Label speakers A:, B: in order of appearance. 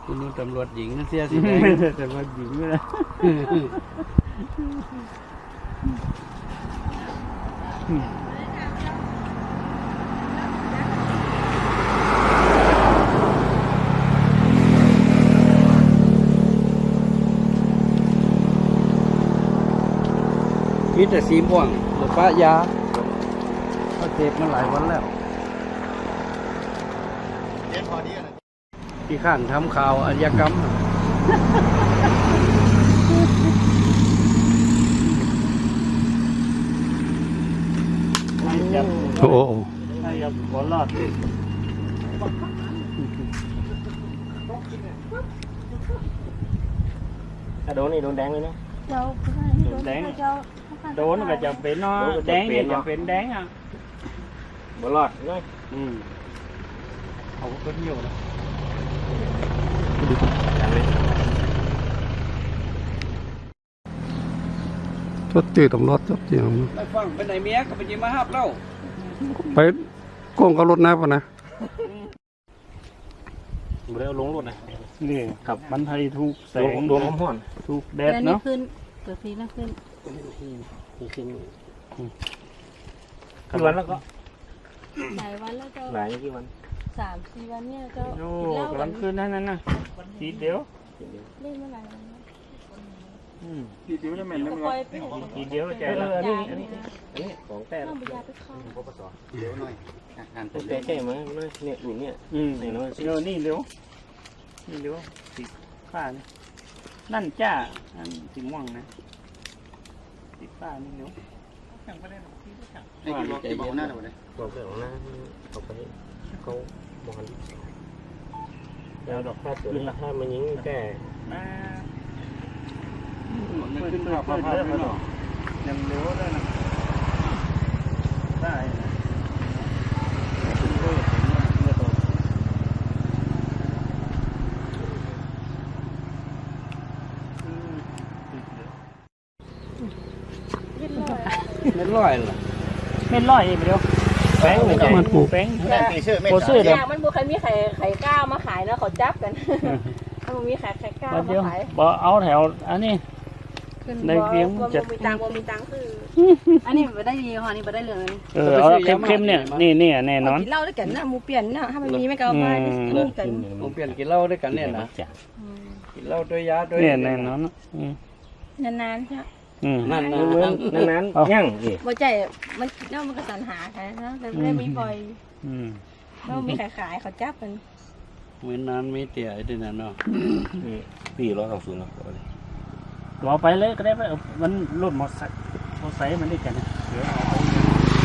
A: คุณนุ่นตำรวจหญิงเสียสีแดงตำรวจหญิงเลยมีแต่สีม่วงหรือป้ายาเขาเจ็บมาหลายวันแล้วที่ข้านทำข่าวอาชญากรรมโอ้โหให้ยับขอรอด
B: โดนนี่โดนแดงเลยเนาะ
A: โดนแดงโดนก็จะเป็นเนาะแดงเนี่ยจะเป็นแดงอ่ะ
B: บ่รอดเลย
A: เขาก็เที่ยวนะ
C: จดจืดตำรวจจดจืด
A: ไปฟังไปไหนเมียก็ไปยิมาฮับเล่า
C: ไปโกงกับรถนะป่ะนะ
B: บ่ได้เอาลงรถนะ
A: นี่ครับมันไทยทุกแสง
B: โดนห้อน
A: ทุกแดดเนาะ
D: ขึ้นเกิดฟีน่าขึ้น
B: กี่วันแล้วก็
D: หลายวันแล้วก็
B: หลายกี่วัน
D: 3-4 วันเนี่ยก็
A: โอ้กำลังคืนนั่นนะทีเดียว
D: เล่นเมื่อไหร่
A: ทีเดียวจะแม่นแล้วมั้งทีเดียวใจละ
B: อันนี้ของแต่
D: ต้องไปยาไปเข้า
B: ปปสเดี๋ยวหน่อยอ่านตัวแก้มั้ยเนี่ยอยู่เนี่ย
A: นี่เนาะนี่เร็วนี่เร็วติดข้านี่นั่นจ้าอันสีม่วงนะติดข้านี่เร็วสั่งไปได้หรอที่สั่งว่าใจเย็นหน้าหน่อย
B: บอกเรื่องหน้าเขาไปเขาบอกกันแล้วดอกค่าตัวราคามันยิ่งแก่
A: มาขึ้นภาพได้ไหมหรอยังเร็วได้นะได้นะไม่ร้อยหรอไม่ร้อยเดียว
B: แป้งเหมือนกัน
A: มันปูแป้ง
D: โคซื้อเดี๋ยวมันบุคคลมีไข่ก้าวมาขายนะเขาจับกันมันมีไข่ก้าวมาขาย
A: บ่เอาแถวอันนี้ในเพียง
D: จะมีตังมีตังคืออันนี้ไม่ได้ดีค่ะนี่ไม่ได้เลย
A: เอาเข้มๆเนี่ยนี่แน่นอน
D: กินเหล้าด้วยกันนะมูเปลี่ยนนะถ้ามันมีไม่เก่าไปมูกัน
A: มูเปลี่ยนกินเหล้าด้วยกันเนี่ยนะกินเหล้าด้วยยาด้วยเนี่ยแน่นอน
D: นานๆใช่
A: นั่น
B: ยั่ง
D: บ่ใจมันมันก็สรรหาใช่นะแต่ไม่มีปล่อยแล้วมีขายเขาจับกัน
A: เหมือนนั้นไม่เตี่ยด้วยนะเนาะ
B: ปี120เนาะ
A: รอไปเลยก็ได้ไปมันรถมอเตอร์ไซค์มันได้กันเดี๋ยวเอาไป